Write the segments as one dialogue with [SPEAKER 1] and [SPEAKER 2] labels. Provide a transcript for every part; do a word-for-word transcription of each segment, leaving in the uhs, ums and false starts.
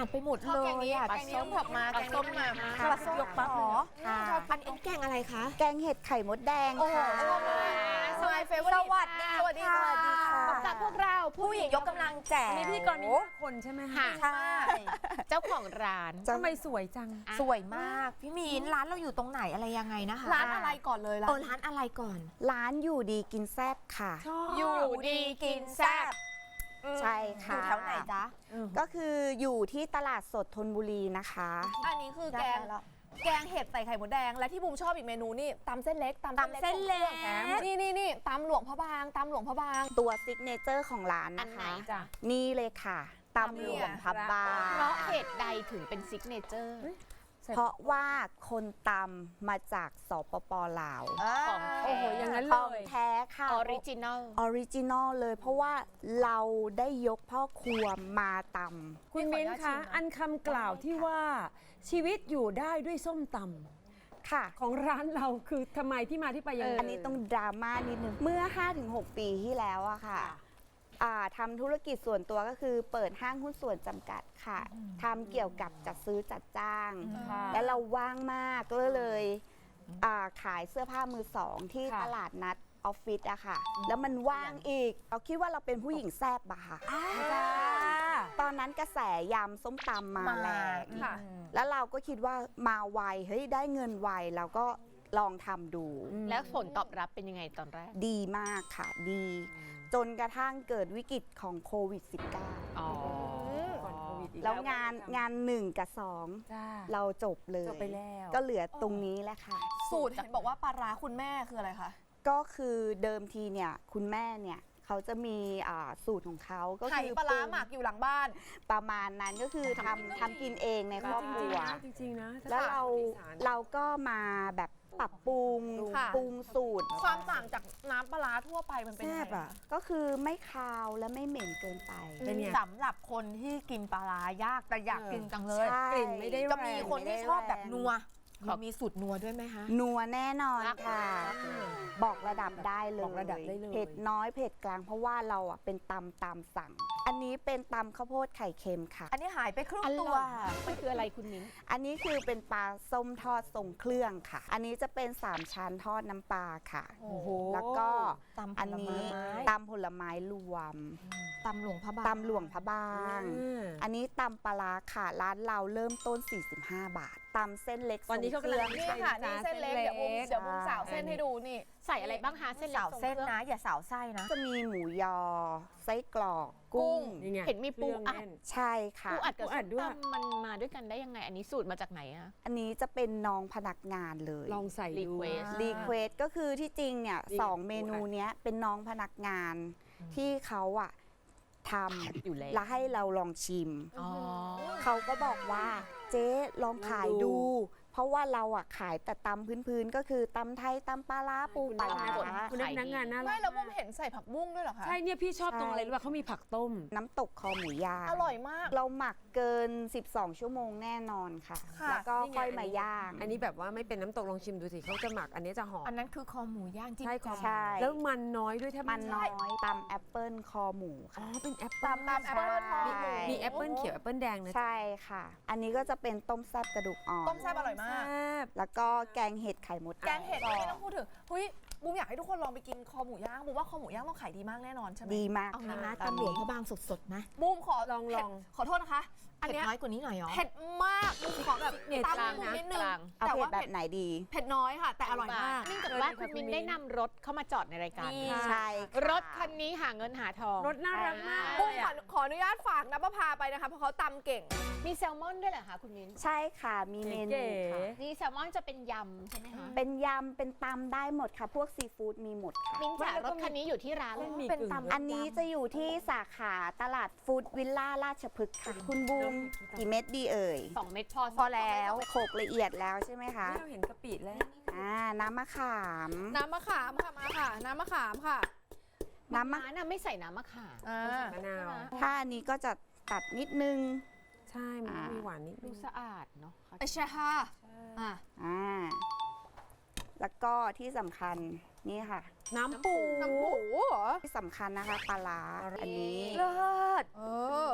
[SPEAKER 1] านไปหมดเลยอ่ะ
[SPEAKER 2] ปลาส้มผักมาแกงส้มมา
[SPEAKER 1] ปลาส้มยกปั๊บเหรอ
[SPEAKER 3] ค่ะ
[SPEAKER 1] อันนี้แกงอะไรคะ
[SPEAKER 3] แกงเห็ดไข่มดแดง
[SPEAKER 1] โอ้โห
[SPEAKER 3] ค่ะ
[SPEAKER 2] สวัสดีเฟเวอร์
[SPEAKER 1] สวัสดี
[SPEAKER 2] สวัสดี
[SPEAKER 1] ค่ะ
[SPEAKER 2] ค่ะพบกับพวกเรา
[SPEAKER 1] ผู้หญิงยกกำลังแจก
[SPEAKER 4] มีพิธีกรมีห้าคนใช่ไหมคะ
[SPEAKER 1] ใช่
[SPEAKER 2] เจ้าของร้าน
[SPEAKER 4] ทำไมสวยจัง
[SPEAKER 1] สวยมากพี่มีนร้านเราอยู่ตรงไหนอะไรยังไงนะคะ
[SPEAKER 2] ร้านอะไรก่อนเลยล่ะ
[SPEAKER 1] เออร้านอะไรก่อน
[SPEAKER 3] ร้านอยู่ดีกินแซ่บค่ะ
[SPEAKER 2] อยู่ดีกินแซ่บ
[SPEAKER 3] ใช่
[SPEAKER 1] อ
[SPEAKER 3] ค่ะ
[SPEAKER 1] ยู่แถวไหนจ๊ะ
[SPEAKER 3] ก็คืออยู่ที่ตลาดสดธนบุรีนะคะ
[SPEAKER 2] อันนี้คือแกง
[SPEAKER 1] ได้แล้ว
[SPEAKER 2] แกงเห็ดใส่ไข่มดแดงและที่บูมชอบอีกเมนูนี่ตำเส้นเล็ก
[SPEAKER 1] ตำเส้นเล็ก
[SPEAKER 2] นี่นี่นี่ตำหลวงพระบางตำหลวงพระบาง
[SPEAKER 3] ตัวซิกเนเจอร์ของร้าน
[SPEAKER 2] อัน
[SPEAKER 3] นะ
[SPEAKER 2] ไหน
[SPEAKER 3] คะ
[SPEAKER 2] จ้ะ
[SPEAKER 3] นี่เลยค่ะตำหลวงพับบา
[SPEAKER 2] เพราะเหตุใดถึงเป็นซิกเนเจอร์
[SPEAKER 3] เพราะว่าคนตำมาจากสปปลาว
[SPEAKER 2] ของ
[SPEAKER 4] โอ้โหอย่างนั้น
[SPEAKER 3] ข
[SPEAKER 4] เล
[SPEAKER 3] อง
[SPEAKER 4] ย
[SPEAKER 3] แท้ค่ะ
[SPEAKER 2] ออริจินอล
[SPEAKER 3] ออริจินอลเลย เพราะว่าเราได้ยกพ่อครัวมาต
[SPEAKER 4] คุณมิ้นท์คะ อันคำกล่าวที่ว่าชีวิตอยู่ได้ด้วยส้มตำ
[SPEAKER 3] ำค่ะ
[SPEAKER 4] ของร้านเราคือทำไมที่มาที่ไปยังไง
[SPEAKER 3] อันนี้ต้องดราม่านิดนึง เมื่อ ห้าถึงหก ปีที่แล้วอะค่ะอ่าทำธุรกิจส่วนตัวก็คือเปิดห้างหุ้นส่วนจำกัดค่ะทำเกี่ยวกับจัดซื้อจัดจ้าง
[SPEAKER 4] ค่ะ
[SPEAKER 3] แล้วเราว่างมากก็เลยอ่าขายเสื้อผ้ามือสองที่
[SPEAKER 4] ค่ะ
[SPEAKER 3] ตลาดนัดออฟฟิศอะค่ะ แล้วมันว่างอีก เราคิดว่าเราเป็นผู้หญิงแซ่บอะค่ะ
[SPEAKER 4] จ้า
[SPEAKER 3] ตอนนั้นกระแสยำส้มตำมา
[SPEAKER 1] มา
[SPEAKER 3] แรง
[SPEAKER 2] ค่ะ
[SPEAKER 3] แล้วเราก็คิดว่ามาไว เฮ้ยได้เงินไวเราก็ลองทำดู
[SPEAKER 2] แล้วผลตอบรับเป็นยังไงตอนแรก
[SPEAKER 3] ดีมากค่ะ ดี จนกระทั่งเกิดวิกฤตของโควิด สิบเก้า
[SPEAKER 2] อ๋อ
[SPEAKER 4] ก่อนโควิดอีก
[SPEAKER 3] แล้วงานงานหนึ่งกับสอง
[SPEAKER 4] จ้า
[SPEAKER 3] เราจบเลย
[SPEAKER 4] จบไปแล้ว
[SPEAKER 3] ก็เหลือตรงนี้แหละค่ะ
[SPEAKER 2] สูตรเห็นบอกว่าปลาร้าคุณแม่คืออะไรคะ
[SPEAKER 3] ก็คือเดิมทีเนี่ยคุณแม่เนี่ยเขาจะมีอ่าสูตรของเขาก็
[SPEAKER 2] ไข่
[SPEAKER 3] คือ
[SPEAKER 2] ปลาร้า
[SPEAKER 3] ปรุง
[SPEAKER 2] หมักอยู่หลังบ้าน
[SPEAKER 3] ประมาณนั้นก็คือทำทำกินเองในครอบครัว
[SPEAKER 4] จริงๆนะ
[SPEAKER 3] แล้วเรา
[SPEAKER 4] อีสน
[SPEAKER 3] เราก็มาแบบปรับปรุง
[SPEAKER 2] ค่ะ
[SPEAKER 3] ปรุงสูตร
[SPEAKER 2] ความต่างจากน้ำปลาร้าทั่วไปมันเป็นยัง
[SPEAKER 4] แซ่บ
[SPEAKER 2] ไง
[SPEAKER 4] อ่ะ
[SPEAKER 3] ก็คือไม่คาวและไม่เหม็นเกินไป
[SPEAKER 4] เป็นไง
[SPEAKER 1] สำหรับคนที่กินปลาร้ายากแต่อยาก
[SPEAKER 4] เออ
[SPEAKER 1] กินจังเลย
[SPEAKER 3] ใช่
[SPEAKER 4] กลิ่นไม่ได้
[SPEAKER 1] จะมีคนที่ชอบแบบนัว
[SPEAKER 2] ขอ
[SPEAKER 1] มีสูตรนัวด้วยไหมคะ
[SPEAKER 3] นัวแน่นอนค่ะ บอกระดับได้เลย
[SPEAKER 4] บอกระดับได้เลย
[SPEAKER 3] เผ็ดน้อยเผ็ดกลางเพราะว่าเราอ่ะเป็นตำตามสั่ง อันนี้เป็นตำข้าวโพดไข่เค็มค่ะ
[SPEAKER 1] อันนี้หายไปครึ่ง
[SPEAKER 2] อ
[SPEAKER 1] ตั
[SPEAKER 2] ร่
[SPEAKER 1] ว
[SPEAKER 2] อยมันคืออะไรคุณมิ้น
[SPEAKER 3] อันนี้คือเป็นปลาส้มทอดทรงเครื่องค่ะ อันนี้จะเป็นสามชั้นทอดน้ำปลาค่ะ
[SPEAKER 4] โอ้โห
[SPEAKER 3] แล้วก็
[SPEAKER 1] ตำผลไม้
[SPEAKER 3] อันนี้ตำผลไม้รวม
[SPEAKER 1] ตำหลวงพระบาง
[SPEAKER 3] ตำหลวงพระบาง
[SPEAKER 4] อืม
[SPEAKER 3] อันนี้ตำปลาร้าค่ะ ร้านเราเริ่มต้น สี่สิบห้า บาทตำเส้นเล็ก
[SPEAKER 4] ตอนนี้เขากำลัง
[SPEAKER 3] ทรง
[SPEAKER 2] นี่
[SPEAKER 3] เครื่อง
[SPEAKER 2] ค่ะนี่เส้นเล็กเดี๋ยวบูมเดี๋ยวบูมสาวเส้นให้ดูนี่
[SPEAKER 5] ใส่อะไรบ้างคะเส้นเล็ก
[SPEAKER 1] สาวเส้นนะ อย่าสาวไส้นะ
[SPEAKER 3] จะมีหมูยอ ไส้กรอก กุ้ง
[SPEAKER 4] นี่ไง
[SPEAKER 5] เห็นมีปู
[SPEAKER 4] เครื่อง
[SPEAKER 5] อัด
[SPEAKER 4] แน่น
[SPEAKER 3] ใช่ค่ะ
[SPEAKER 5] ปูอัดกับ
[SPEAKER 4] ปูอั
[SPEAKER 5] ส้
[SPEAKER 4] ด
[SPEAKER 5] ม
[SPEAKER 4] ด้วย
[SPEAKER 5] ตำมันมาด้วยกันได้ยังไง อันนี้สูตรมาจากไหนอะ
[SPEAKER 3] อันนี้จะเป็นน้องพนักงานเลย
[SPEAKER 4] ลองใส่ดู
[SPEAKER 5] Request
[SPEAKER 3] รีเควสก็คือที่จริงเนี่ย
[SPEAKER 4] นี่
[SPEAKER 3] สองเมนูเนี้ยเป็นน้องพนักงานที่เขาอะท
[SPEAKER 5] อยู่แล้ว
[SPEAKER 3] ำแล้วให้เราลองชิม
[SPEAKER 5] อ๋อ
[SPEAKER 3] เขาก็บอกว่าเจ๊ลองขายดู เพราะว่าเราอะขายแต่ตำพื้นๆ ก็คือตำไทยตำปลาร้าปูปลาร้า
[SPEAKER 4] คุณพนักงานน่ารัก
[SPEAKER 2] ไม่แล้วบูมเห็นใส่ผักบุ้งด้วยเหรอคะ
[SPEAKER 4] ใช่เนี่ยพี่ชอบตรงอะไรรู้ป่ะเขามีผักต้ม
[SPEAKER 3] น้ำตกคอหมูย่าง
[SPEAKER 2] อร่อยมาก
[SPEAKER 3] เราหมักเกิน สิบสอง ชั่วโมงแน่นอนค่ะ
[SPEAKER 2] ค่ะ
[SPEAKER 3] แล้วก็
[SPEAKER 4] นี่ไง
[SPEAKER 3] ค่อยมาย่าง
[SPEAKER 4] อันนี้แบบว่าไม่เป็นน้ำตกลองชิมดูสิเขาจะหมักอันนี้จะหอม
[SPEAKER 1] อันนั้นคือคอหมูย่างจิ้ม
[SPEAKER 4] ใช่คอ
[SPEAKER 3] ใช่
[SPEAKER 4] แล้วมันน้อยด้วยแทบ
[SPEAKER 3] มันน้อยตำแอปเปิลคอหมู
[SPEAKER 4] อ๋อ
[SPEAKER 3] ค่ะ
[SPEAKER 4] เป็นแอปเปิ้ล
[SPEAKER 2] ตามแอปเปิ้ลทอด
[SPEAKER 3] ใช่
[SPEAKER 4] มีแอปเปิ้ลเขียวแอปเปิ้ลแดงนะ
[SPEAKER 3] ใช่ค่ะ อันนี้ก็จะเป็นต้มแซ่บกระดูกอ่อน
[SPEAKER 2] ต้มแซ่บอร่อยมาก
[SPEAKER 4] แซ่บ
[SPEAKER 3] แล้วก็แกงเห็ดไข่มด
[SPEAKER 2] แกงเห็ดไม่ต้องพูดถึงเฮ้ยบูมอยากให้ทุกคนลองไปกินคอหมูย่างบูมว่าคอหมูย่างต้องขายดีมากแน่นอนใช่ไหม
[SPEAKER 3] ดีมาก
[SPEAKER 1] เอางี้นะ
[SPEAKER 3] ค่ะ
[SPEAKER 1] ตำหลวงพระบางสดๆนะ
[SPEAKER 2] บูมขอ
[SPEAKER 4] ลอง
[SPEAKER 2] เผ็ด
[SPEAKER 4] ลอง
[SPEAKER 2] ขอโทษนะคะ อัน
[SPEAKER 1] เผ็ด
[SPEAKER 2] เนี้ย
[SPEAKER 1] น้อยกว่านี้หน่อยเหรอ
[SPEAKER 2] เผ็ดมากบูมขอแบบ
[SPEAKER 4] เผ็ด
[SPEAKER 2] ตาม
[SPEAKER 4] กลาง
[SPEAKER 2] บูม
[SPEAKER 4] นะ
[SPEAKER 2] นิดนึง
[SPEAKER 5] กลาง
[SPEAKER 3] เอา
[SPEAKER 2] แต่
[SPEAKER 3] เผ็ด
[SPEAKER 2] ว่า
[SPEAKER 3] แบบ
[SPEAKER 2] เผ็ด
[SPEAKER 3] ไหนดี
[SPEAKER 2] เผ็ดน้อยค่ะ แต่อร่อยมาก
[SPEAKER 5] เนื่องจากว่าคุณมินได้นำรถเข้ามาจอดในรายการ
[SPEAKER 2] นี่
[SPEAKER 3] ใช่ค่ะ
[SPEAKER 5] รถคันนี้หาเงินหาทอง
[SPEAKER 4] รสน่ารักมาก
[SPEAKER 2] บูมขอขออนุญาตฝากนะป้าพาไปนะคะเพราะเขาตำเก่ง
[SPEAKER 5] มีแซลมอนด้วยเหรอคะคุณมิน
[SPEAKER 3] ใช่ค่ะ มีเมนู
[SPEAKER 4] เก๋
[SPEAKER 3] ค่ะ
[SPEAKER 5] นี่แซลมอนจะเป็นยำใช่ไหมคะ
[SPEAKER 3] เป็นยำ เป็นตำได้หมดค่ะ พวกซีฟู้ดมีหมดค่ะ
[SPEAKER 5] มินจ๋ารถคันนี้อยู่ที่ร้านเลย
[SPEAKER 4] มี
[SPEAKER 1] เป็น
[SPEAKER 4] กึ่ง
[SPEAKER 1] ตำ
[SPEAKER 3] อันนี้จะอยู่ที่สาขาตลาดฟู้ดวิลล่าราชพฤกษ์ค่ะ คุณบูมกี่เม็ดดีเอ่ย
[SPEAKER 5] สองเม็ดพอ
[SPEAKER 3] พอแล้วโขลกละเอียดแล้วใช่ไหมคะ
[SPEAKER 4] เราเห็นกะปิแล้ว
[SPEAKER 3] อ่า น้ำมะขาม
[SPEAKER 2] น้ำมะขามค่ะมาค่ะ น้ำมะขามค่ะ
[SPEAKER 3] น้ำมะ
[SPEAKER 5] ร้านน่ะไม่ใส่น้ำมะขาม
[SPEAKER 2] อ่า
[SPEAKER 4] มะนาว
[SPEAKER 3] ถ้าอันนี้ก็จะตัดนิดนึง
[SPEAKER 4] ใช่มัน
[SPEAKER 3] อ่ามี
[SPEAKER 4] มีหวานนิดนึ
[SPEAKER 5] ดู
[SPEAKER 4] ง
[SPEAKER 5] สะอาดเนาะ
[SPEAKER 2] ไอใช่ค่ะอ่ะ
[SPEAKER 3] อ่า แล้วก็ที่สำคัญนี่ค่ะ
[SPEAKER 4] น้ำปู
[SPEAKER 2] น้ำปูเหรอ
[SPEAKER 3] ที่สำคัญนะคะปลาร้าอันนี้
[SPEAKER 2] เลิศเออเออ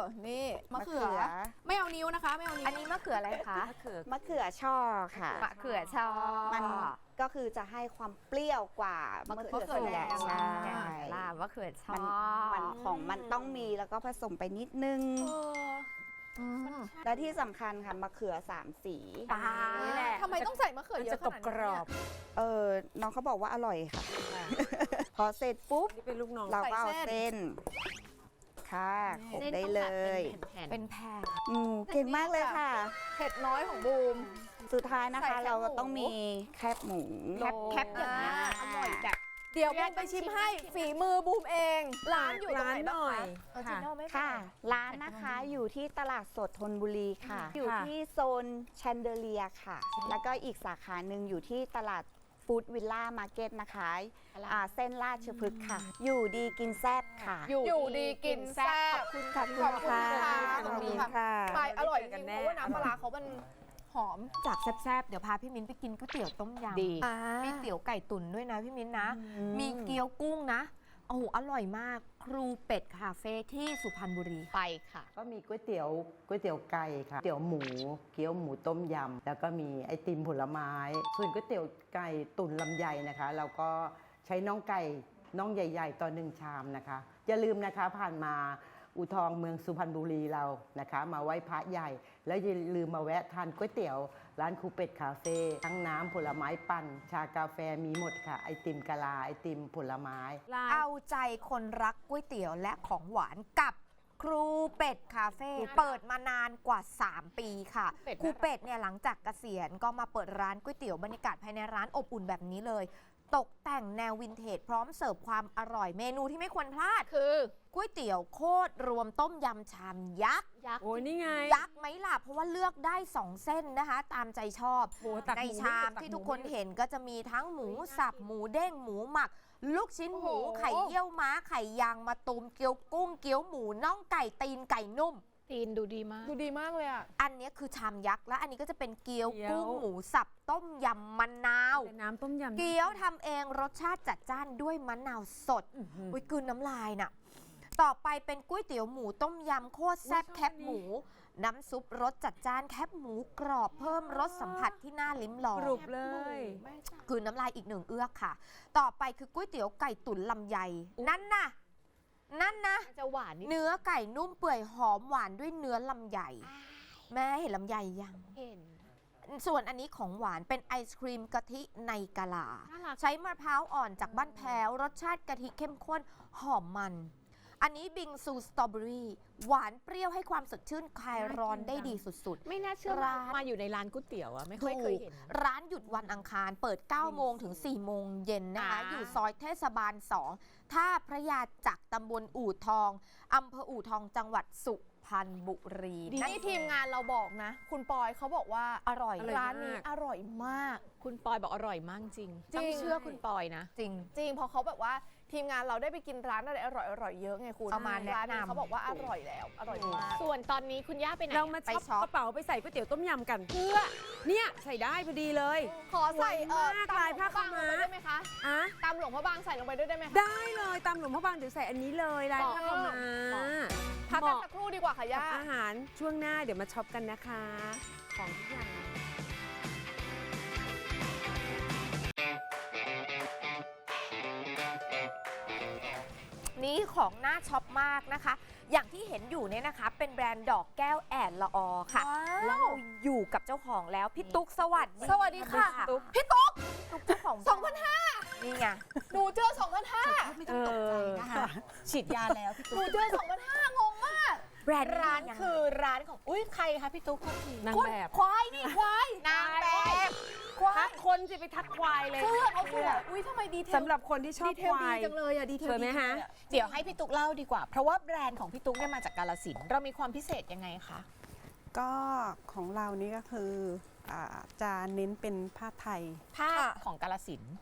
[SPEAKER 2] นี่มะ
[SPEAKER 3] มะ
[SPEAKER 2] เขื
[SPEAKER 3] เขื
[SPEAKER 2] อ
[SPEAKER 3] อ
[SPEAKER 2] ไม่เอานิ้วนะคะ ไม่เอานิ้ว
[SPEAKER 1] อันนี้มะเขืออะไรคะ
[SPEAKER 4] มะเขือ
[SPEAKER 3] มะเขือช่อค่ะ
[SPEAKER 1] มะเขือช่อ
[SPEAKER 3] มันก็คือจะให้ความเปรี้ยวกว่ามะเขือ
[SPEAKER 2] มะเขือ
[SPEAKER 3] แดง
[SPEAKER 2] แดง
[SPEAKER 3] ใช่
[SPEAKER 1] ลามะเขือช่อ
[SPEAKER 3] มันมันของมันต้องมีแล้วก็ผสมไปนิดนึง
[SPEAKER 2] เออ
[SPEAKER 1] อืม
[SPEAKER 3] และที่สำคัญค่ะมะเขือสามสี
[SPEAKER 1] ปลา
[SPEAKER 4] นี่แหละ
[SPEAKER 2] ทำไมต้องใส่มะเขือ
[SPEAKER 4] มัน
[SPEAKER 2] เย
[SPEAKER 4] จะ
[SPEAKER 2] อะข
[SPEAKER 4] กรอบ
[SPEAKER 2] นาด
[SPEAKER 4] ก
[SPEAKER 2] นี้
[SPEAKER 4] ร
[SPEAKER 2] เนี่
[SPEAKER 4] อย บ
[SPEAKER 3] เออน้องเขาบอกว่าอร่อยค่ะ พอเสร็จปุ๊บ
[SPEAKER 4] นี่เป็นลูกน้อง
[SPEAKER 3] เราก็เอา
[SPEAKER 2] ใส่เส้
[SPEAKER 3] เส้
[SPEAKER 2] น
[SPEAKER 3] น ค่ะขบ
[SPEAKER 5] เส้น
[SPEAKER 3] ได้
[SPEAKER 5] ต้อง
[SPEAKER 3] เล
[SPEAKER 5] แบบ
[SPEAKER 3] ย
[SPEAKER 5] เป็นแผ่นๆ
[SPEAKER 1] เป็นแผ่น
[SPEAKER 3] อืมเก่งมากเลยค่ะ
[SPEAKER 2] เผ็ดน้อยของบูม
[SPEAKER 3] สุดท้ายนะ
[SPEAKER 2] ใส่
[SPEAKER 3] คะ
[SPEAKER 2] แคบ
[SPEAKER 3] เราก็
[SPEAKER 2] หมู
[SPEAKER 3] ต้องมีแคบหมู
[SPEAKER 1] แคบแคบอย่างนี้ย
[SPEAKER 2] อร่อยแบบเดี๋ยวบูมไปชิมให้ฝีมือบูมเอง ร้านอยู่ตรงไหนบ้าง
[SPEAKER 4] หน่อย
[SPEAKER 2] คะ
[SPEAKER 1] ออริจินอลไม่
[SPEAKER 3] ค่ะ
[SPEAKER 1] แพง
[SPEAKER 3] ร้านนะคะอยู่ที่ตลาดสดธนบุรีค่ะ อยู่ที่โซนแชนเดเลียค่ะ แล้วก็อีกสาขาหนึ่งอยู่ที่ตลาดฟู้ดวิลล่ามาร์เก็ตนะคะอ่าเส้นราชพฤกษ์ค่ะ อยู่ดีกินแซ่บค่ะ
[SPEAKER 2] อยู่ดีกินแซ่บ
[SPEAKER 3] ขอบคุณ
[SPEAKER 2] ขอบคุณ
[SPEAKER 3] ค่ะ
[SPEAKER 2] ค่ะ
[SPEAKER 3] ขอบคุณค่ะ
[SPEAKER 2] ไปอร่อยจริงๆเพราะว่าน้ำปลาร้าเขามันหอม
[SPEAKER 1] จากแซ่บๆ เดี๋ยวพาพี่มิ้นไปกินก๋วยเตี๋ยวต้มยำ
[SPEAKER 5] ดี
[SPEAKER 2] อ่า
[SPEAKER 1] มีเตี๋ยวไก่ตุ๋นด้วยนะพี่มิ้นนะ มีเกี๊ยวกุ้งนะ โอ้โห อร่อยมาก ครูเป็ดคาเฟ่ที่สุพรรณบุรี
[SPEAKER 5] ไปค่ะ
[SPEAKER 6] ก็มีก๋วยเตี๋ยวก๋วยเตี๋ยวไก่ค่ะก๋วยเตี๋ยวหมู เกี๊ยวหมูต้มยำ แล้วก็มีไอติมผลไม้ ส่วนก๋วยเตี๋ยวไก่ตุ๋นลำไยนะคะ เราก็ใช้น่องไก่น่องใหญ่ ๆต่อหนึ่งชามนะคะ อย่าลืมนะคะผ่านมาอูทองเมืองสุพรรณบุรีเรานะคะ มาไหว้พระใหญ่ แล้วอย่าลืมมาแวะทานก๋วยเตี๋ยวร้านครูเป็ดคาเฟ่ทั้งน้ำผลไม้ปั่น ชากาแฟมีหมดค่ะ ไอติมกะลาไอติมผลไม้
[SPEAKER 1] เอาใจคนรักก๋วยเตี๋ยวและของหวานกับครูเป็ดคาเฟ่เปิดมานานกว่า สาม ปีค่ะ
[SPEAKER 5] เป็ด
[SPEAKER 1] ครูเป็ดเนี่ยหลังจากเกษียณก็มาเปิดร้านก๋วยเตี๋ยวบรรยากาศภายในร้านอบอุ่นแบบนี้เลย ตกแต่งแนววินเทจพร้อมเสิร์ฟความอร่อยเมนูที่ไม่ควรพลาด
[SPEAKER 5] คือ
[SPEAKER 1] ก๋วยเตี๋ยวโคตรรวมต้มยำชามยักษ์
[SPEAKER 5] ยักษ์
[SPEAKER 4] โอ้ยนี่ไง
[SPEAKER 1] ยักษ์ไหมล่ะ เพราะว่าเลือกได้ สอง เส้นนะคะ ตามใจชอบ
[SPEAKER 4] โอ้ตัก
[SPEAKER 1] ใน
[SPEAKER 4] หมู
[SPEAKER 1] ชาม
[SPEAKER 4] ตัก
[SPEAKER 1] ที่
[SPEAKER 4] หมู
[SPEAKER 1] ทุกคนเห็นก็จะมีทั้งหมูสับ หมูเด้ง หมูหมัก ลูกชิ้นหมู
[SPEAKER 2] โอ้โห
[SPEAKER 1] ไข่เยี่ยวม้า ไข่ยางมะตูม เกี๊ยวกุ้ง เกี๊ยวหมู น่องไก่ ตีนไก่นุ่ม
[SPEAKER 5] ตีนดูดีมาก
[SPEAKER 2] ดูดีมากเลยอ่ะ
[SPEAKER 1] อันเนี้ยคือชามยักษ์ และอันนี้ก็จะเป็นเกี๊ยว
[SPEAKER 4] เกี๊ยว
[SPEAKER 1] กุ้งหมูสับต้มยำมะนาว
[SPEAKER 4] เป็นน้ำต้มยำ
[SPEAKER 1] เกี๊ยวทำเองรสชาติจัดจ้านด้วยมะนาวสด
[SPEAKER 4] อื้อหือ
[SPEAKER 1] อุ้ยกลืนน้ำลายน่ะ ต่อไปเป็นก๋วยเตี๋ยวหมูต้มยำโคตรแซ่บ
[SPEAKER 4] อุ๊ยชอบ
[SPEAKER 1] แคบหมู น้ำซุปรสจัดจ้านแคบหมูกรอบเพิ่มรสสัมผัสที่น่าลิ้มลอง
[SPEAKER 4] กรุบเลย
[SPEAKER 1] กลืนน้ำลายอีกหนึ่งเอื้อกค่ะ ต่อไปคือก๋วยเตี๋ยวไก่ตุ๋นลำไย นั่นน่ะ นั่นนะ
[SPEAKER 5] มันจะหวานนิด
[SPEAKER 1] เนื้อไก่นุ่มเปื่อยหอมหวานด้วยเนื้อลำไย แม่เห็นลำไยยัง
[SPEAKER 5] เห็น
[SPEAKER 1] ส่วนอันนี้ของหวานเป็นไอศครีมกะทิในกะลา
[SPEAKER 5] น่ารัก
[SPEAKER 1] ใช้มะพร้าวอ่อนจากบ้านแพ้ว รสชาติกะทิเข้มข้นหอมมัน อันนี้บิงซูสตรอเบอรี่หวานเปรี้ยวให้ความสดชื่นคลายร้อนได้ดีสุด
[SPEAKER 5] ไม่น่าเชื่อ
[SPEAKER 1] ร้า
[SPEAKER 5] ว่าน มาอยู่ในร้านก๋วยเตี๋ยวอะไม่
[SPEAKER 1] ๆ
[SPEAKER 5] ค่อยเคย
[SPEAKER 1] ถูก
[SPEAKER 5] เห็น
[SPEAKER 1] ร้านหยุดวันอังคารเปิด เก้า โมงถึง สี่ โมงเย็นนะคะ
[SPEAKER 5] อ่า
[SPEAKER 1] อยู่ซอยเทศบาล สอง ท่าพระยาจักรตำบลอู่ทองอำเภออู่ทองจังหวัดสุพรรณบุรี
[SPEAKER 2] นี่ทีมงานเราบอกนะ คุณปอยเขาบอกว่า
[SPEAKER 1] อร่อย
[SPEAKER 4] อร่อย
[SPEAKER 2] ร้านนี้อร่อยมาก
[SPEAKER 5] คุณปอยบอกอร่อยมากจริง
[SPEAKER 2] จริง
[SPEAKER 5] ต้องเชื่อคุณปอยนะ
[SPEAKER 1] จริง
[SPEAKER 2] จริงเพอเขาแบบว่าทีมงานเราได้ไปกินร้านอะไรอร่อยอร่อยๆเยอะไงคุณ
[SPEAKER 1] เอามาแนะนำ
[SPEAKER 2] ร้านนี้เขาบอกว่าอร่อยแล้ว อร่อยมาก
[SPEAKER 5] ส่วนตอนนี้คุณย่าไปไหน
[SPEAKER 4] เรามา
[SPEAKER 1] ไป
[SPEAKER 4] ช็อป
[SPEAKER 1] ช็อป
[SPEAKER 4] กระเป๋าไปใส่ก๋วยเตี๋ยวต้มยำกัน เพื่อ เนี่ยใส่ได้พอดีเลย
[SPEAKER 2] ขอใส่เออ
[SPEAKER 4] สวยมาก
[SPEAKER 2] ตำ
[SPEAKER 4] ลายผ้า
[SPEAKER 2] หลวงพระบางลง
[SPEAKER 4] ขาวม้า
[SPEAKER 2] ไปได้ไหมคะ
[SPEAKER 4] อะ
[SPEAKER 2] ตำหลวงพระบางใส่ลงไปด้วยได้ไหมคะ
[SPEAKER 4] ได้เลยตามหลวงพ่อบางเดี๋ยวใส่อันนี้เลยลายผ้าขาวม้า
[SPEAKER 2] พักกันสักครู่ดีกว่าค่ะ
[SPEAKER 4] กับ
[SPEAKER 2] ย่า
[SPEAKER 4] อาหารช่วงหน้าเดี๋ยวมาช็อปกันนะคะ ของทุกอย่าง
[SPEAKER 1] นี้ของน่าช็อปมากนะคะ อย่างที่เห็นอยู่เนี่ยนะคะ เป็นแบรนด์ดอกแก้วแอดละออค่ะ แล้วเราอยู่กับเจ้าของแล้ว พี่ตุ๊กสวัสดี
[SPEAKER 2] สวัสดีค่ะ
[SPEAKER 1] ตุ๊ก
[SPEAKER 2] พี่ตุ๊ก
[SPEAKER 1] ตุ๊กเจ้าของ
[SPEAKER 2] สองพันห้า
[SPEAKER 1] นี่ไง
[SPEAKER 2] หนูเจอสองพันห้า
[SPEAKER 1] ไม่ต้องตกใจนะคะฉีดยาแล้วพี่
[SPEAKER 2] ห
[SPEAKER 1] ตุ๊
[SPEAKER 2] นู
[SPEAKER 1] ก
[SPEAKER 2] เจอสองพันห้างงมาก
[SPEAKER 1] แบรนด์
[SPEAKER 5] ร้านคือร้านของอุ้ยใครคะพี่ตุ๊กโทษที
[SPEAKER 4] นางแบบ
[SPEAKER 2] ควายนี่ควาย
[SPEAKER 1] นางแบบ
[SPEAKER 2] ควา
[SPEAKER 4] ทั
[SPEAKER 2] ย
[SPEAKER 4] กคนจะไปทักควายเลย
[SPEAKER 2] เสื้อเขาสวยอุ้ยทำไมดีเทล
[SPEAKER 4] สำหรับคนที่ชอบ
[SPEAKER 2] ดีเท
[SPEAKER 4] ค
[SPEAKER 2] ล
[SPEAKER 4] วา
[SPEAKER 2] ดี
[SPEAKER 4] ย
[SPEAKER 2] จังเลยอะดีเทล
[SPEAKER 4] สวยไหม
[SPEAKER 2] ดี
[SPEAKER 4] ฮะ
[SPEAKER 2] จังเลยอ
[SPEAKER 5] เดี๋ยวให้พี่ตุ๊กเล่าดีกว่า เพราะว่าแบรนด์ของพี่ตุ๊กเนี่ยมาจากกาลสินธุ์เรามีความพิเศษยังไงคะ
[SPEAKER 7] ก็ของเรานี่ก็คืออาจะเน้นเป็นผ้าไทย
[SPEAKER 5] ผ้าของกาลสินธุ์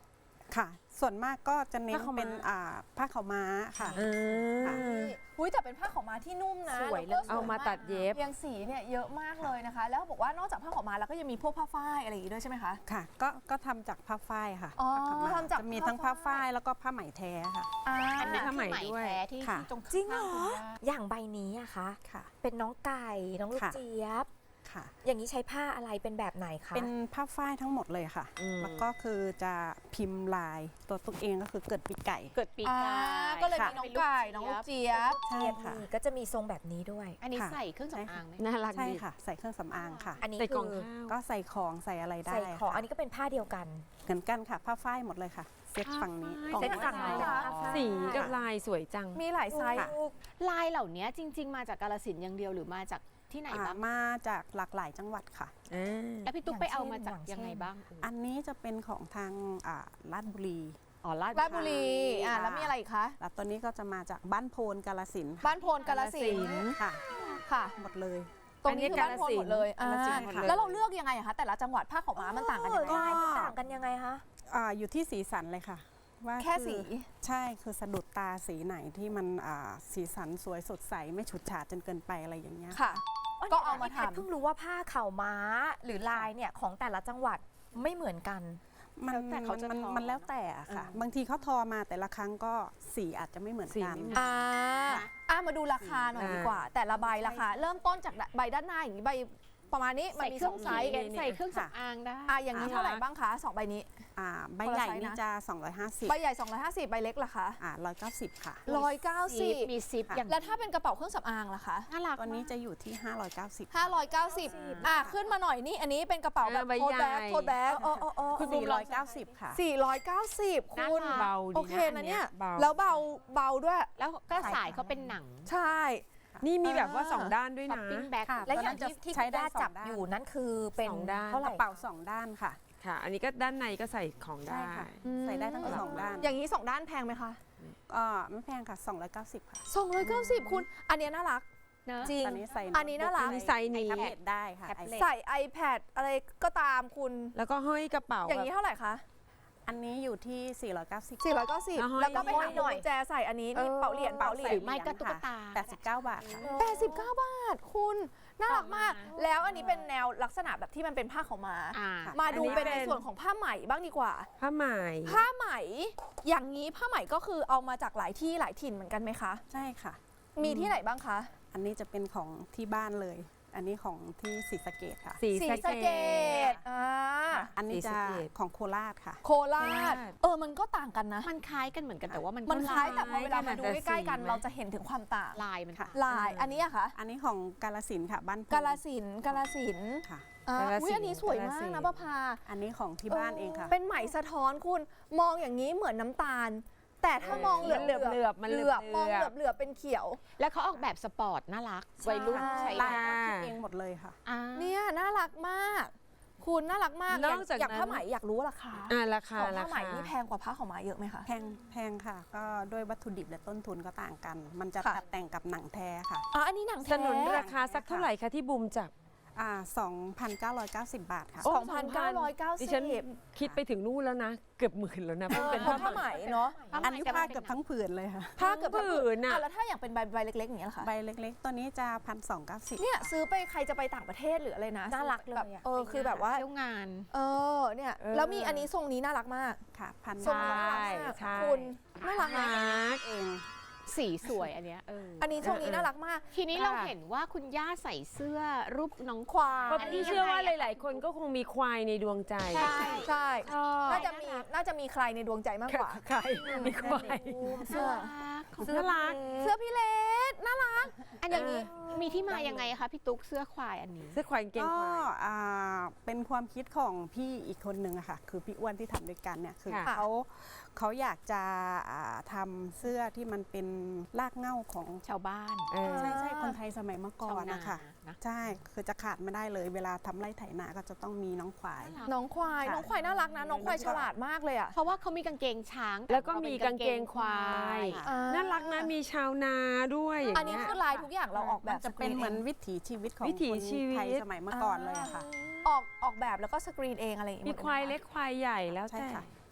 [SPEAKER 7] ค่ะ ส่วนมากก็จะเน้น
[SPEAKER 4] ผ้าขาวม้า
[SPEAKER 7] เป็นอ่าผ้าขาวม้าค่ะ
[SPEAKER 4] อ่า
[SPEAKER 2] อุ้ยแต่เป็นผ้าขาวม้าที่นุ่มนะ
[SPEAKER 5] สวย
[SPEAKER 2] แล้วก็
[SPEAKER 4] เอามาตัดเย็บ
[SPEAKER 2] ยังสีเนี่ยเยอะมากเลยนะคะ แล้วบอกว่านอกจากผ้าขาวม้าแล้วก็ยังมีพวกผ้าฝ้ายอะไรอย่างงี้ด้วยใช่ไหมคะ
[SPEAKER 7] ค่ะ ก็ก็ทำจากผ้าฝ้ายค่ะ
[SPEAKER 2] อ๋อ
[SPEAKER 7] ผ้าขาวม้า
[SPEAKER 2] ทำจาก
[SPEAKER 7] จะมีทั้งผ้าฝ้ายแล้วก็ผ้าไหมแท้ค่ะ
[SPEAKER 2] อ่า
[SPEAKER 5] อันนี้
[SPEAKER 4] ผ้าไหม
[SPEAKER 5] คือ
[SPEAKER 4] ด้วย
[SPEAKER 5] แท้ที่
[SPEAKER 7] ค่ะ
[SPEAKER 5] ที่ตรง
[SPEAKER 2] จริงเหรอ
[SPEAKER 5] ข้าคุณย่า
[SPEAKER 1] อย่างใบนี้อะคะ
[SPEAKER 7] ค่ะ
[SPEAKER 1] เป็นน้องไก่น้องลูก
[SPEAKER 7] ค่ะ
[SPEAKER 1] เจี๊ยบ
[SPEAKER 7] ค่ะ
[SPEAKER 1] อย่างนี้ใช้ผ้าอะไรเป็นแบบไหนคะ
[SPEAKER 7] เป็นผ้าฝ้ายทั้งหมดเลยค่ะ
[SPEAKER 4] อืม
[SPEAKER 7] แล้วก็คือจะพิมพ์ลายตัวตุ๊กเองก็คือเกิดปีกไก่
[SPEAKER 5] เกิดปีก
[SPEAKER 2] อ่า
[SPEAKER 5] ไก่
[SPEAKER 2] ก็เลย
[SPEAKER 7] ค่ะ
[SPEAKER 2] มีน้องไก่น้องลูกเจี๊ยบ
[SPEAKER 7] ใช่
[SPEAKER 1] เจี๊ยบ
[SPEAKER 7] ค่ะ
[SPEAKER 1] นี่ก็จะมีทรงแบบนี้ด้วย
[SPEAKER 5] อันนี้
[SPEAKER 7] ค่ะ
[SPEAKER 5] ใส่เครื่อง
[SPEAKER 7] ใช่
[SPEAKER 5] สำ
[SPEAKER 7] ค่ะ
[SPEAKER 5] อางไหม
[SPEAKER 4] น่ารัก
[SPEAKER 7] ใช่
[SPEAKER 4] ดี
[SPEAKER 7] ค่ะ ใส่เครื่องสำอางค่ะ
[SPEAKER 1] อันนี้
[SPEAKER 4] ใส่กล่อง
[SPEAKER 1] คือ
[SPEAKER 4] ข้าว
[SPEAKER 7] ก็ใส่ของใส่อะไรได้
[SPEAKER 1] ใส่ของ
[SPEAKER 7] ค่ะ
[SPEAKER 1] อันนี้ก็เป็นผ้าเดียวกัน
[SPEAKER 7] เหมือนกันค่ะผ้าฝ้ายหมดเลยค่ะ เซตฝั่งนี้
[SPEAKER 1] เซ็ตฝั่งนี้เป็นผ้าฝ้าย
[SPEAKER 4] สีกับลายสวยจัง
[SPEAKER 2] มีหลายไซส์
[SPEAKER 7] ค่ะ
[SPEAKER 5] ลายเหล่านี้จริง ๆ มาจากกาฬสินธุ์อย่างเดียวหรือมาจากที่ไหน
[SPEAKER 7] อ่า
[SPEAKER 5] บ้าง
[SPEAKER 7] มาจากหลากหลายจังหวัดค่ะ
[SPEAKER 4] อ่า
[SPEAKER 5] แล้วพี่ตุ๊กไปเอามาจาก
[SPEAKER 1] อย่างเช่น
[SPEAKER 5] ยังไงบ้าง
[SPEAKER 7] อันนี้จะเป็นของทางอ่าลาดบุรี
[SPEAKER 5] อ๋อลาด
[SPEAKER 2] ราชบุรี อ่า
[SPEAKER 7] ค่ะ
[SPEAKER 2] แล้วมีอะไรอีกคะ
[SPEAKER 7] แล้วตัวนี้ก็จะมาจากบ้านโพนกาลสินธุ์ค่ะ
[SPEAKER 2] บ้านโพนกาลสินธุ์
[SPEAKER 7] ค่ะ
[SPEAKER 2] ค่ะ
[SPEAKER 7] หมดเลย
[SPEAKER 2] ตรงนี้คือบ้านโพนหมดเลยอ่าก
[SPEAKER 7] าฬสินธุ์หมดเลย
[SPEAKER 2] แล้วเราเลือกยังไงอะคะ แต่ละจังหวัดผ้าขาวม้ามันต่างกันยังไง
[SPEAKER 1] ลายมันต่างกันยังไงคะ
[SPEAKER 7] อ่าอยู่ที่สีสันเลยค่ะ ว่า
[SPEAKER 2] แค่
[SPEAKER 7] อ
[SPEAKER 2] สี
[SPEAKER 7] ใช่คือสะดุดตาสีไหนที่มันอ่าสีสันสวยสดใสไม่ฉูดฉาดจนเกินไปอะไรอย่างเงี้ย
[SPEAKER 2] ค่ะ ก็เอามา
[SPEAKER 1] แพท
[SPEAKER 2] ทำ
[SPEAKER 1] เพิ่งรู้ว่าผ้าเข่าวม้าหรือลายเนี่ยของแต่ละจังหวัดไม่เหมือนกัน
[SPEAKER 7] มัน
[SPEAKER 5] แล้วแต่เขาจะ
[SPEAKER 7] มัน
[SPEAKER 5] ทอ
[SPEAKER 7] มันแล้วแต่อะค่ะ บางทีเขาทอมาแต่ละครั้งก็สีอาจจะไม่เหมือน
[SPEAKER 4] สี
[SPEAKER 7] กัน
[SPEAKER 4] ไม่เหมือน
[SPEAKER 2] อ่าอ่ามาดูราคาหน่อย
[SPEAKER 4] อ่า
[SPEAKER 2] ดีกว่า แต่ละใบราคา เริ่มต้นจากใบด้านหน้าอย่างนี้ใบประมาณนี้มัน
[SPEAKER 5] ใส่
[SPEAKER 2] มี
[SPEAKER 5] เค
[SPEAKER 2] ส
[SPEAKER 5] รื่
[SPEAKER 2] อ
[SPEAKER 5] อง ง
[SPEAKER 2] ไซ
[SPEAKER 5] ไซ
[SPEAKER 2] ส์
[SPEAKER 5] ส์ใส่เครื่องสำอางได้
[SPEAKER 2] อ่าอย่างนี้เท่าไหร่บ้างคะสองใบนี้
[SPEAKER 7] อ่าใบ
[SPEAKER 2] คนละ
[SPEAKER 7] ใหญ่
[SPEAKER 2] ไซส์นะ
[SPEAKER 7] นี่จะสองร้อยห้าสิบ
[SPEAKER 2] ใบใหญ่ สองร้อยห้าสิบ ใบเล็กล่ะคะ
[SPEAKER 7] อ่าร้อยเก้าสิบค่ะ
[SPEAKER 2] ร้อยเก้าสิบ
[SPEAKER 5] มีซิป
[SPEAKER 7] ค่ะ
[SPEAKER 5] อย่าง
[SPEAKER 2] แล้วถ้าเป็นกระเป๋าเครื่องสำอางล่ะคะ
[SPEAKER 5] น่ารัก
[SPEAKER 7] ตัวนี้จะอยู่ที่ห้าร้อยเก้าสิบ
[SPEAKER 2] ห้าร้อยเก้าสิบอ่ะขึ้นมาหน่อยนี่ อันนี้เป็นกระเป๋าแบบ
[SPEAKER 4] เออใบ
[SPEAKER 2] โทสแบ็ก
[SPEAKER 4] ใหญ่
[SPEAKER 2] โทสแบ็ก
[SPEAKER 1] อ๋ออ๋ออ๋อ
[SPEAKER 7] คุณสี่ร้อยเก้าสิบค่ะ
[SPEAKER 2] สี่ร้อยเก้าสิบคุณ
[SPEAKER 4] เบาดีนะ
[SPEAKER 2] โอเคนะเนี่ย
[SPEAKER 4] เบา
[SPEAKER 2] แล้วเบาเบาด้วย
[SPEAKER 5] แล้วก็สายเขาเป็นหนัง
[SPEAKER 2] ใช่
[SPEAKER 4] นี่มีแบบว่าสองด้านด้วย
[SPEAKER 5] ช้อ
[SPEAKER 4] นะ
[SPEAKER 5] ปปิ้งแบ็ค
[SPEAKER 7] ค่ะ
[SPEAKER 1] และอย่างที่ที่
[SPEAKER 7] ใช้
[SPEAKER 1] คุณ
[SPEAKER 7] ได้
[SPEAKER 1] ย่า
[SPEAKER 7] สอง
[SPEAKER 1] จับ
[SPEAKER 7] ด้าน
[SPEAKER 1] อยู่นั่นคือเป็น
[SPEAKER 4] สองด้าน
[SPEAKER 1] เท่าไห
[SPEAKER 7] ก
[SPEAKER 1] ร่
[SPEAKER 7] ระเป๋าสองด้านค่ะ
[SPEAKER 4] ค่ะ อันนี้ก็ด้านในก็ใส่ของได้
[SPEAKER 7] ใช่ค่ะ ใส่ได้ทั้งสองด้าน
[SPEAKER 2] อย่างนี้สองด้านแพงไหมคะ
[SPEAKER 7] ก็ไม่แพงค่ะสองร้อยเก้าสิบค่ะ
[SPEAKER 2] สองร้อยเก้าสิบคุณ อันเนี้ยน่ารัก
[SPEAKER 5] เนอะ
[SPEAKER 2] จริง
[SPEAKER 7] ตอนนี้ใส่
[SPEAKER 2] อันนี้น่ารัก
[SPEAKER 4] มีไซส์นี้
[SPEAKER 7] แท็บเล็ตได้ค่ะ
[SPEAKER 5] แท็บเล็ต
[SPEAKER 2] ใส่ iPad อะไรก็ตามคุณ
[SPEAKER 4] แล้วก็ห้อยกระเป๋า
[SPEAKER 2] อย่างนี้
[SPEAKER 4] แบบ
[SPEAKER 2] เท่าไหร่คะ
[SPEAKER 7] อันนี้อยู่ที่สี่ร้อยเก้าสิบ
[SPEAKER 2] สี่ร้อยเก้าสิบ
[SPEAKER 4] แล้วห้อย
[SPEAKER 2] แล้วก็ไปหา
[SPEAKER 1] หน่อย
[SPEAKER 2] กุญแจใส่อันนี้นี่เป๋าเหรียญเป๋าเหรีย
[SPEAKER 5] ห
[SPEAKER 2] ญ
[SPEAKER 5] รือไม่ก็ตุ๊กตา
[SPEAKER 7] แปดสิบเก้าบาทค่ะ
[SPEAKER 2] แปดสิบเก้าบาทคุณ น่ารักมาก
[SPEAKER 5] ต่อมา
[SPEAKER 2] แล้วอันนี้เป็นแนวลักษณะแบบที่มันเป็นผ้าขาวม้า
[SPEAKER 5] อ่า
[SPEAKER 2] มาดู
[SPEAKER 4] อันนี้
[SPEAKER 2] เป็นใน
[SPEAKER 4] เป็น
[SPEAKER 2] ส่วนของผ้าไหมบ้างดีกว่า
[SPEAKER 4] ผ้าไหม
[SPEAKER 2] ผ้าไหม อย่างนี้ผ้าไหมก็คือเอามาจากหลายที่หลายถิ่นเหมือนกันไหมคะ
[SPEAKER 7] ใช่ค่ะ
[SPEAKER 2] มีที่ไหนบ้างคะ
[SPEAKER 7] อันนี้จะเป็นของที่บ้านเลย อันนี้ของที่ศรีสะเกดค่ะ
[SPEAKER 4] สี
[SPEAKER 2] สี
[SPEAKER 4] สะ
[SPEAKER 2] สะ
[SPEAKER 4] เก
[SPEAKER 2] เก
[SPEAKER 4] ด
[SPEAKER 2] ดอ่า
[SPEAKER 7] อันนี้
[SPEAKER 4] ศรี
[SPEAKER 7] จะ
[SPEAKER 4] สะเกษ
[SPEAKER 7] ของโคราชค่ะ
[SPEAKER 2] โคราช
[SPEAKER 4] โคราช
[SPEAKER 2] เออ มันก็ต่างกันนะ
[SPEAKER 5] มันคล้ายกันเหมือนกันแต่ว่ามัน
[SPEAKER 2] มันคล้ายแต่พอเวลามาดู
[SPEAKER 4] แต่สี
[SPEAKER 2] ใกล้ๆกัน
[SPEAKER 4] ไหม
[SPEAKER 2] เราจะเห็นถึงความต่าง
[SPEAKER 5] ลายมัน
[SPEAKER 7] ค่ะ
[SPEAKER 2] ลาย อันนี้อะคะ
[SPEAKER 7] อันนี้ของกาลสินธุ์ค่ะ บ้านโพ
[SPEAKER 2] กาลสินธุ์กาลสินธุ์
[SPEAKER 7] ค่ะ
[SPEAKER 2] อ่าก
[SPEAKER 4] าฬสินธุ์
[SPEAKER 2] อุ้ยอันนี้สวยมาก
[SPEAKER 4] กาฬสินธุ์
[SPEAKER 2] นะป้าพา
[SPEAKER 7] อันนี้ของที่บ้านเองค่ะ
[SPEAKER 2] เป็นไหมสะท้อนคุณ มองอย่างนี้เหมือนน้ำตาล แต่ถ้ามองเหลือบ
[SPEAKER 4] มันเหลือบๆมัน
[SPEAKER 2] เห
[SPEAKER 4] เหลื
[SPEAKER 2] ลื
[SPEAKER 4] อ
[SPEAKER 2] อ
[SPEAKER 4] บบ ๆ
[SPEAKER 2] มองเหลือบเหลือบเป็นเขียว
[SPEAKER 5] แล้วเขาออกแบบสปอร์ตน่ารักวัยรุ่นใช้
[SPEAKER 7] ลาย
[SPEAKER 5] ได้
[SPEAKER 7] ก็คิดเองหมดเลยค่ะ
[SPEAKER 5] อ่า
[SPEAKER 2] เนี่ยน่ารักมาก คุณน่ารักมาก
[SPEAKER 4] นอกจาก
[SPEAKER 2] อย่าง
[SPEAKER 4] นั้น
[SPEAKER 2] ผ้าไหมอยากรู้ราคา
[SPEAKER 4] อ่าราคา
[SPEAKER 2] ของ
[SPEAKER 4] รา
[SPEAKER 2] ผ้าไหม
[SPEAKER 4] คา
[SPEAKER 2] นี่แพงกว่าผ้าขาวม้าเยอะไหมคะ
[SPEAKER 7] แพงแพงค่ะ ก็ด้วยวัตถุดิบและต้นทุนก็ต่างกัน มันจะ
[SPEAKER 2] ค่ะ
[SPEAKER 7] ตัดแต่งกับหนังแท้ค่ะ
[SPEAKER 2] อ๋ออันนี้หนัง
[SPEAKER 4] ส
[SPEAKER 2] แท้
[SPEAKER 4] นุนราคาสักเท่าไหร่คะที่บูมจับ
[SPEAKER 7] อ่าสองพันเก้าร้อยเก้าสิบบาทค่ะ
[SPEAKER 4] โอ้
[SPEAKER 2] สองพันเก้าร้อยเก้า
[SPEAKER 4] ดิ
[SPEAKER 2] สิ
[SPEAKER 4] ฉัน
[SPEAKER 2] บ
[SPEAKER 4] คิดไปถึงนู่นแล้วนะ เกือบหมื่นแล้วนะเพราะเป็น
[SPEAKER 2] เพราะผ้าไหมเนาะ
[SPEAKER 7] อันนี้ผ้าเกือบทั้งผืนเลยค่ะ
[SPEAKER 2] ผ้าเกือบทั้ง
[SPEAKER 4] ผืนน่ะ
[SPEAKER 2] อ่ะแล้วถ้าอย่างเป็นใบใบเล็กๆอย่างเงี้ยล่ะคะ
[SPEAKER 7] ใบเล็กๆ ตัวนี้จะพันสองเก้าสิบ
[SPEAKER 2] เนี่ยซื้อไปใครจะไปต่างประเทศหรืออะไรนะ
[SPEAKER 1] น่ารักเลย
[SPEAKER 2] แบบ
[SPEAKER 1] อะ
[SPEAKER 2] เออคือแบบว่า
[SPEAKER 5] เที่ยวงาน
[SPEAKER 2] เออเนี่ย
[SPEAKER 4] เออ
[SPEAKER 2] แล้วมีอันนี้ทรงนี้น่ารักมาก
[SPEAKER 7] ค่ะพัน
[SPEAKER 2] ทรงนี้น่ารักมาก
[SPEAKER 4] ใช่
[SPEAKER 2] คุณน่ารักนะ
[SPEAKER 4] รัก
[SPEAKER 7] เอง
[SPEAKER 5] สีสวยอันเนี้ยเออ
[SPEAKER 2] อันนี้ทรงนี้น่ารักมาก
[SPEAKER 5] ทีนี้เราเห็นว่าคุณย่าใส่เสื้อรูปน้องควาย
[SPEAKER 4] เพราะพี่เชื่อว่าหลาย ๆ คนก็คงมีควายในดวงใจ
[SPEAKER 2] ใช่ใช่
[SPEAKER 4] ชอบ
[SPEAKER 2] น่าจะมีน่าจะมีใครในดวงใจมากกว่า
[SPEAKER 4] ใครมีควาย
[SPEAKER 2] เสื้อ
[SPEAKER 4] เสื้อรัก
[SPEAKER 2] เสื้อพี่เลสน่ารัก
[SPEAKER 5] อันอย่างนี้มีที่มายังไงคะพี่ตุ๊กเสื้อควายอันนี้
[SPEAKER 4] เสื้อควายกางเกง
[SPEAKER 7] ก็
[SPEAKER 4] ควาย
[SPEAKER 7] อ่าเป็นความคิดของพี่อีกคนนึงอะค่ะ คือพี่อ้วนที่ทำด้วยกันเนี่ย คือ
[SPEAKER 4] ค่ะ
[SPEAKER 7] เขาเขาอยากจะอ่าทำเสื้อที่มันเป็นรากเหง้าของ
[SPEAKER 5] ชาวบ้าน
[SPEAKER 4] เออ
[SPEAKER 7] ใช่ใช่คนไทยสมัยเมื่อก่อนนะคะ
[SPEAKER 5] ชาวนานะ
[SPEAKER 7] ใช่ คือจะขาดไม่ได้เลย เวลาทำไร่ไถนาก็จะต้องมีน้องควาย
[SPEAKER 2] น้องควาย
[SPEAKER 7] ค่ะ
[SPEAKER 2] น้องควายน่ารักนะ น้องควายฉลาดมากเลยอ่ะ
[SPEAKER 5] เพราะว่าเขามีกางเกงช้าง
[SPEAKER 4] แล้วก็มีกางเกงควาย
[SPEAKER 2] อ่า
[SPEAKER 4] น่ารักนะมีชาวนาด้วยอย่าง
[SPEAKER 2] อันนี้
[SPEAKER 4] เงี้ย
[SPEAKER 2] คือลายทุกอย่างเราออกแบบ
[SPEAKER 7] มันจะเป็นเหมือนวิถีชีวิตของ
[SPEAKER 4] วิถี
[SPEAKER 7] คน
[SPEAKER 4] ชีวิต
[SPEAKER 7] ไทยสมัยเมื่อก่อนเลยอะค่ะ
[SPEAKER 2] ออกออกแบบแล้วก็สกรีนเองอะไรอย่าง
[SPEAKER 4] มี
[SPEAKER 2] เงี้ย
[SPEAKER 4] ควายเล็กควายใหญ่แล้ว
[SPEAKER 7] ใช่
[SPEAKER 4] แต่
[SPEAKER 7] ค่ะ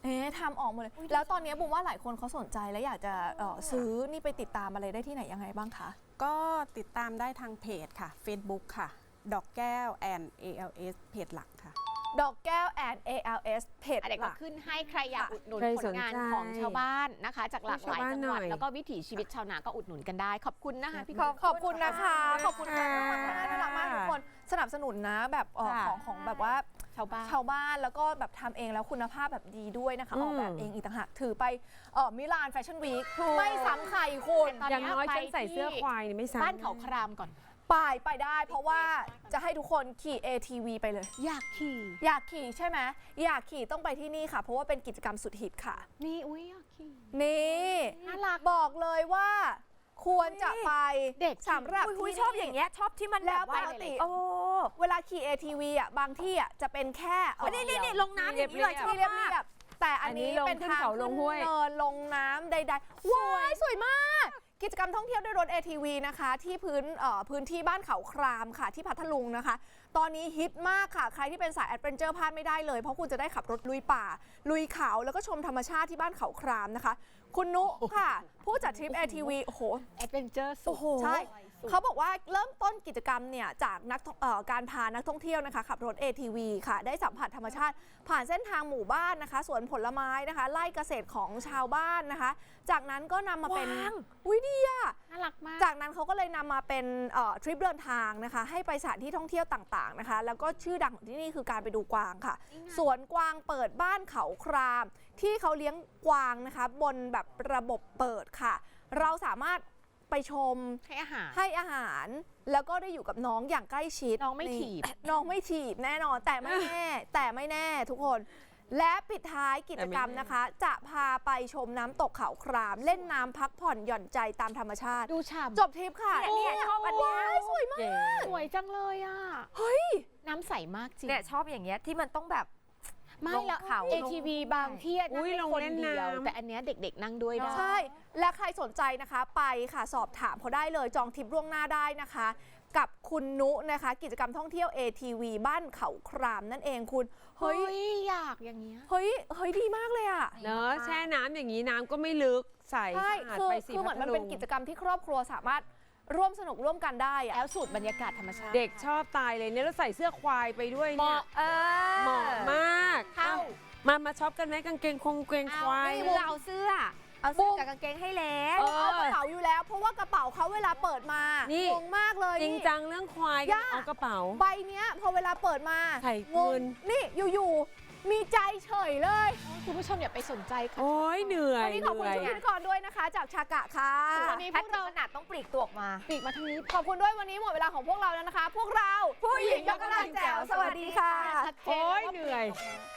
[SPEAKER 2] เอ๊ะทำออกหมดเลย แล้วตอนนี้บุมว่าหลายคนเขาสนใจและอยากจะเอ่อซื้อนี่ไปติดตามอะไรได้ที่ไหนยังไงบ้างคะ
[SPEAKER 7] ก็ติดตามได้ทางเพจค่ะ Facebook ค่ะ ดอกแก้ว and เอ แอล เอส เพจหลักค่ะ
[SPEAKER 2] ดอกแก้ว and เอ แอล เอส เพจ
[SPEAKER 5] อะไร
[SPEAKER 2] ห
[SPEAKER 5] ก็
[SPEAKER 2] ลัก
[SPEAKER 5] ขึ้นให้ใครอยากอุดหนุน
[SPEAKER 4] ใคร
[SPEAKER 5] ผ
[SPEAKER 4] ส
[SPEAKER 5] ล
[SPEAKER 4] น
[SPEAKER 5] งาน
[SPEAKER 4] ใจ
[SPEAKER 5] ของชาวบ้านนะคะ จากหลากหลาย
[SPEAKER 4] ชาวบ้าน
[SPEAKER 5] จังหวัด
[SPEAKER 4] หน่อย
[SPEAKER 5] แล้วก็วิถีชีวิตชาวนาก็อุดหนุนกันได้ ขอบคุณนะคะพี่
[SPEAKER 2] ข
[SPEAKER 5] กุ๊
[SPEAKER 2] อบ
[SPEAKER 5] ก
[SPEAKER 2] ขอบคุณนะคะ ขอบคุณค่ะน่ารักมากน่ารักมากทุกคนสนับสนุนนะแบบเอ่อ
[SPEAKER 4] ค่ะ
[SPEAKER 2] ของของแบบว่า
[SPEAKER 5] ชาวบ้าน
[SPEAKER 2] ชาวบ้านแล้วก็แบบทำเองแล้วคุณภาพแบบดีด้วยนะคะ
[SPEAKER 4] อืม
[SPEAKER 2] ออกแบบเองอีกต่างหากถือไปเออมิลานแฟชั่นวีคไม่ซ้ำใครคุณ
[SPEAKER 5] ตอน
[SPEAKER 4] อย่าง
[SPEAKER 5] เนี้ย
[SPEAKER 4] น้อย
[SPEAKER 5] ไป
[SPEAKER 4] ฉันใส่เสื้อ
[SPEAKER 5] ที่
[SPEAKER 4] ควายนี่ไม่ซ้ำ
[SPEAKER 5] บ้านเขาครามก่อน
[SPEAKER 2] ไปไปได้เพราะว่าจะให้ทุกคนขี่ เอ ที วี ไปเลย
[SPEAKER 5] อยากขี่
[SPEAKER 2] อยากขี่ใช่ไหมอยากขี่ต้องไปที่นี่ค่ะ เพราะว่าเป็นกิจกรรมสุดฮิตค่ะ
[SPEAKER 5] นี่อุ้ยอยากขี่
[SPEAKER 2] นี่
[SPEAKER 5] น่ารัก
[SPEAKER 2] บอกเลยว่า ควรจะไป
[SPEAKER 5] เด็ก
[SPEAKER 2] สำหรับ
[SPEAKER 1] อุ๊ย
[SPEAKER 2] ที่
[SPEAKER 1] ชอบอย่างเงี้ยชอบที่มัน
[SPEAKER 2] แล้
[SPEAKER 1] แบ
[SPEAKER 2] ว
[SPEAKER 1] บว่า
[SPEAKER 2] ปกติ
[SPEAKER 1] โอ้
[SPEAKER 2] เวลาขี่ เอ ที วี อ่ะบางที่อ่ะจะเป็นแค่เอ่อ
[SPEAKER 1] นี่นี่นี่ลงน้ำอย่างนี้เลยชอบ
[SPEAKER 2] ที่เรียบ
[SPEAKER 1] มาก
[SPEAKER 2] เรียบแต่อันนี้
[SPEAKER 4] อันนี้ลง
[SPEAKER 2] เป็น
[SPEAKER 4] ขึ้น
[SPEAKER 2] ทาง
[SPEAKER 4] เขาลงห้วย
[SPEAKER 2] ขึ้นเนินลงน้ำใดๆว้ายสวยมาก กิจกรรมท่องเที่ยวด้วยรถ เอ ที วี นะคะ ที่พื้นเอ่อพื้นที่บ้านเขาครามค่ะ ที่พัทลุงนะคะ ตอนนี้ฮิตมากค่ะ ใครที่เป็นสายแอดเวนเจอร์พลาดไม่ได้เลย เพราะคุณจะได้ขับรถลุยป่า ลุยเขาแล้วก็ชมธรรมชาติที่บ้านเขาครามนะคะ คุณนุค่ะ ผู้จัดทริป เอ ที วี โอ้โห
[SPEAKER 5] แอดเวนเจอร์สุด
[SPEAKER 2] ใช่ เขาบอกว่าเริ่มต้นกิจกรรมเนี่ยจากนักท่องเอ่อการพานักท่องเที่ยวนะคะขับรถ เอ ที วี ค่ะ ได้สัมผัสธรรมชาติ ผ่านเส้นทางหมู่บ้านนะคะสวนผลไม้นะคะไร่เกษตรของชาวบ้านนะคะ จากนั้นก็นำมาเป็น
[SPEAKER 1] ว้าง
[SPEAKER 2] อุ้ยดีอะ
[SPEAKER 5] น่ารักมาก
[SPEAKER 2] จากนั้นเขาก็เลยนำมาเป็นเอ่อทริปเดินทางนะคะ ให้ไปสถานที่ท่องเที่ยวต่างๆนะคะ แล้วก็ชื่อดังของที่นี่คือการไปดูกวางค่ะ สวนกวางเปิดบ้านเขาคราม ที่เขาเลี้ยงกวางนะคะ บนแบบระบบเปิดค่ะ เราสามารถไปชม
[SPEAKER 5] ให้อาหาร
[SPEAKER 2] ให้อาหารแล้วก็ได้อยู่กับน้องอย่างใกล้ชิด
[SPEAKER 5] น้องไม่ถีบ
[SPEAKER 2] น้องไม่ถีบแน่นอนแต่ไม่แน่ แต่ไม่แน่ทุกคน และปิดท้ายกิจกรรมนะคะ จะพาไปชมน้ำตกเขาคราม เล่นน้ำพักผ่อนหย่อนใจตามธรรมชาติ
[SPEAKER 5] ดูฉ่ำ
[SPEAKER 2] จบทริปค่ะ
[SPEAKER 1] เนี่ยเนี่ยชอบอันเนี้ย
[SPEAKER 2] โสวยมาก
[SPEAKER 4] เก๋
[SPEAKER 5] สวยจังเลยอ่ะ
[SPEAKER 2] เฮ้ย
[SPEAKER 5] น้ำใสมากจริง
[SPEAKER 1] เนี่ยชอบอย่างเงี้ยที่มันต้องแบบ
[SPEAKER 5] ไม่
[SPEAKER 1] ลง
[SPEAKER 5] แล้ว
[SPEAKER 1] เขา
[SPEAKER 5] เอ ที วี บางที่นั่ง
[SPEAKER 4] อุ๊ย
[SPEAKER 5] ได้
[SPEAKER 4] ลง
[SPEAKER 5] คน
[SPEAKER 4] เล่น
[SPEAKER 5] เดียว
[SPEAKER 4] น้ำ
[SPEAKER 5] แต่อันเนี้ยเด็กๆนั่งด้วยได้
[SPEAKER 2] ใช่ และใครสนใจนะคะไปค่ะสอบถามเขาได้เลยจองทริปล่วงหน้าได้นะคะ กับคุณนุนะคะ กิจกรรมท่องเที่ยว เอ ที วี บ้านเขาครามนั่นเองคุณ
[SPEAKER 5] เฮ้
[SPEAKER 2] เฮ้ย
[SPEAKER 5] ย อยากอย่างเงี้ย
[SPEAKER 2] เฮ้ยเฮ้ยดีมากเลยอ่ะ
[SPEAKER 4] เนอะแช่น้ำอย่างนี้น้ำก็ไม่ลึกใส
[SPEAKER 2] ใช่
[SPEAKER 4] สะอาด
[SPEAKER 2] คือ
[SPEAKER 4] ไปสิ
[SPEAKER 2] คือเหมือนมัน
[SPEAKER 4] พัทลุง
[SPEAKER 2] เป็นกิจกรรมที่ครอบครัวสามารถร่วมสนุกร่วมกันได้อะ
[SPEAKER 5] แล้วสูตรบรรยากาศธรรมชาติ
[SPEAKER 4] เด็กชอบตายเลยเนี่ยแล้วใส่เสื้อควายไปด้วยเนี่ย
[SPEAKER 1] เออ
[SPEAKER 4] เหมาะมาก
[SPEAKER 5] เข้า
[SPEAKER 4] มามาช็อปกันไหมกางเกงคงเกงควาย
[SPEAKER 1] ไม่เราเอาเสื้อ เอาเสื้อกับกางเกงให้แล้ว
[SPEAKER 4] เอ
[SPEAKER 2] เอากระเป๋าอยู่แล้ว เพราะว่ากระเป๋าเขาเวลาเปิดมา
[SPEAKER 4] นี่
[SPEAKER 2] งงมากเลย
[SPEAKER 4] จริง
[SPEAKER 2] นี่
[SPEAKER 4] จังเรื่องควาย
[SPEAKER 2] ย่า
[SPEAKER 4] เอากระเป๋า
[SPEAKER 2] ใบเนี้ยพอเวลาเปิดมา
[SPEAKER 4] ไข่
[SPEAKER 2] ง
[SPEAKER 4] เงิ
[SPEAKER 2] ง
[SPEAKER 4] น
[SPEAKER 2] นี่อยู่ๆมีใจเฉยเลย
[SPEAKER 5] คุณผู้ชมอย่าไปสนใจค่ะ
[SPEAKER 4] โอ้ยเหนื่อย
[SPEAKER 2] วันนี้ขอบคุณ
[SPEAKER 4] เห
[SPEAKER 2] ชุด
[SPEAKER 4] นื่อย
[SPEAKER 2] พิธีกรด้วยนะคะ จากชากะค่ะ
[SPEAKER 5] วันนี้
[SPEAKER 1] แพทย์ถึงขนาดต้องปลีกตัวออกมา
[SPEAKER 5] ปีกมาทางนี้
[SPEAKER 2] ขอบคุณด้วยวันนี้หมดเวลาของพวกเราแล้วนะคะ พวกเราผู้หญิงยกกำลังแจ๋วสวัสดีค่ะ
[SPEAKER 5] ชัดเจน
[SPEAKER 4] โอ้ย
[SPEAKER 5] ว่า
[SPEAKER 4] เหนื่อย
[SPEAKER 5] ปีกกมา